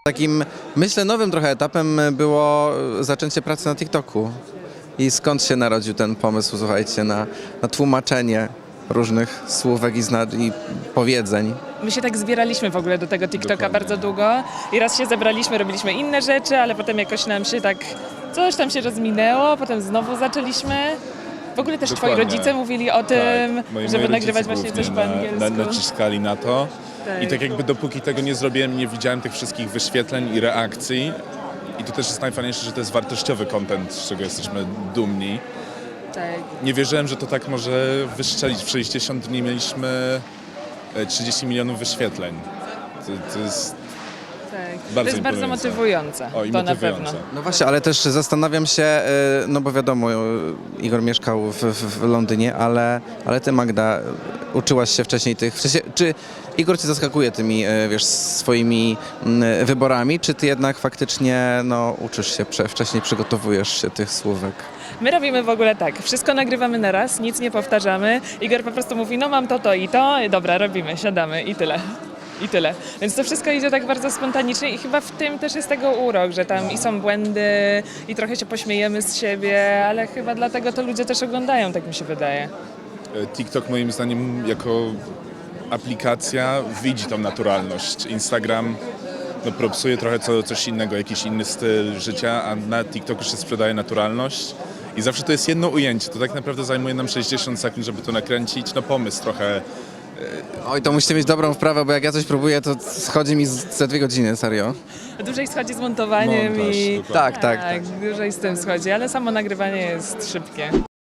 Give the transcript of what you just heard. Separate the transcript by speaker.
Speaker 1: Takim, myślę, nowym trochę etapem było zaczęcie pracy na TikToku. I skąd się narodził ten pomysł, słuchajcie, na tłumaczenie różnych słówek i powiedzeń?
Speaker 2: My się tak zbieraliśmy w ogóle do tego TikToka
Speaker 3: Dokładnie.
Speaker 2: bardzo długo i raz się zebraliśmy, robiliśmy inne rzeczy, ale potem jakoś nam się tak, coś tam się rozminęło, potem znowu zaczęliśmy. W ogóle też twoi
Speaker 3: Dokładnie.
Speaker 2: rodzice mówili o tym,
Speaker 3: Tak. Moi
Speaker 2: żeby
Speaker 3: rodzice
Speaker 2: nagrywać właśnie
Speaker 3: głównie
Speaker 2: coś po angielsku.
Speaker 3: naciskali na to.
Speaker 2: Tak.
Speaker 3: I tak jakby dopóki tego nie zrobiłem, nie widziałem tych wszystkich wyświetleń i reakcji. I to też jest najfajniejsze, że to jest wartościowy content, z czego jesteśmy dumni.
Speaker 2: Tak.
Speaker 3: Nie wierzyłem, że to tak może wystrzelić. W 60 dni mieliśmy 30 milionów wyświetleń. To jest
Speaker 2: Tak. To
Speaker 3: bardzo
Speaker 2: jest bardzo
Speaker 3: imponujące.
Speaker 2: motywujące,
Speaker 3: O, i
Speaker 2: to na
Speaker 3: motywujące.
Speaker 2: pewno.
Speaker 1: No właśnie, ale też zastanawiam się, no bo wiadomo, Igor mieszkał w Londynie, ale ty, Magda, uczyłaś się wcześniej czy Igor cię zaskakuje tymi, wiesz, swoimi wyborami, czy ty jednak faktycznie, no, uczysz się, wcześniej przygotowujesz się tych słówek?
Speaker 2: My robimy w ogóle tak, wszystko nagrywamy na raz, nic nie powtarzamy. Igor po prostu mówi, no mam to i to, i dobra, robimy, siadamy i tyle. I tyle. Więc to wszystko idzie tak bardzo spontanicznie i chyba w tym też jest tego urok, że tam i są błędy i trochę się pośmiejemy z siebie, ale chyba dlatego to ludzie też oglądają, tak mi się wydaje.
Speaker 3: TikTok moim zdaniem jako aplikacja widzi tą naturalność. Instagram no, propsuje trochę coś innego, jakiś inny styl życia, a na TikToku się sprzedaje naturalność. I zawsze to jest jedno ujęcie. To tak naprawdę zajmuje nam 60 sekund, żeby to nakręcić. No pomysł trochę.
Speaker 1: Oj, to musicie mieć dobrą wprawę, bo jak ja coś próbuję, to schodzi mi ze 2 godziny, serio.
Speaker 2: Dłużej schodzi z montowaniem
Speaker 3: Montaż,
Speaker 2: i
Speaker 3: dokładnie.
Speaker 1: Tak.
Speaker 2: dłużej z tym schodzi, ale samo nagrywanie jest szybkie.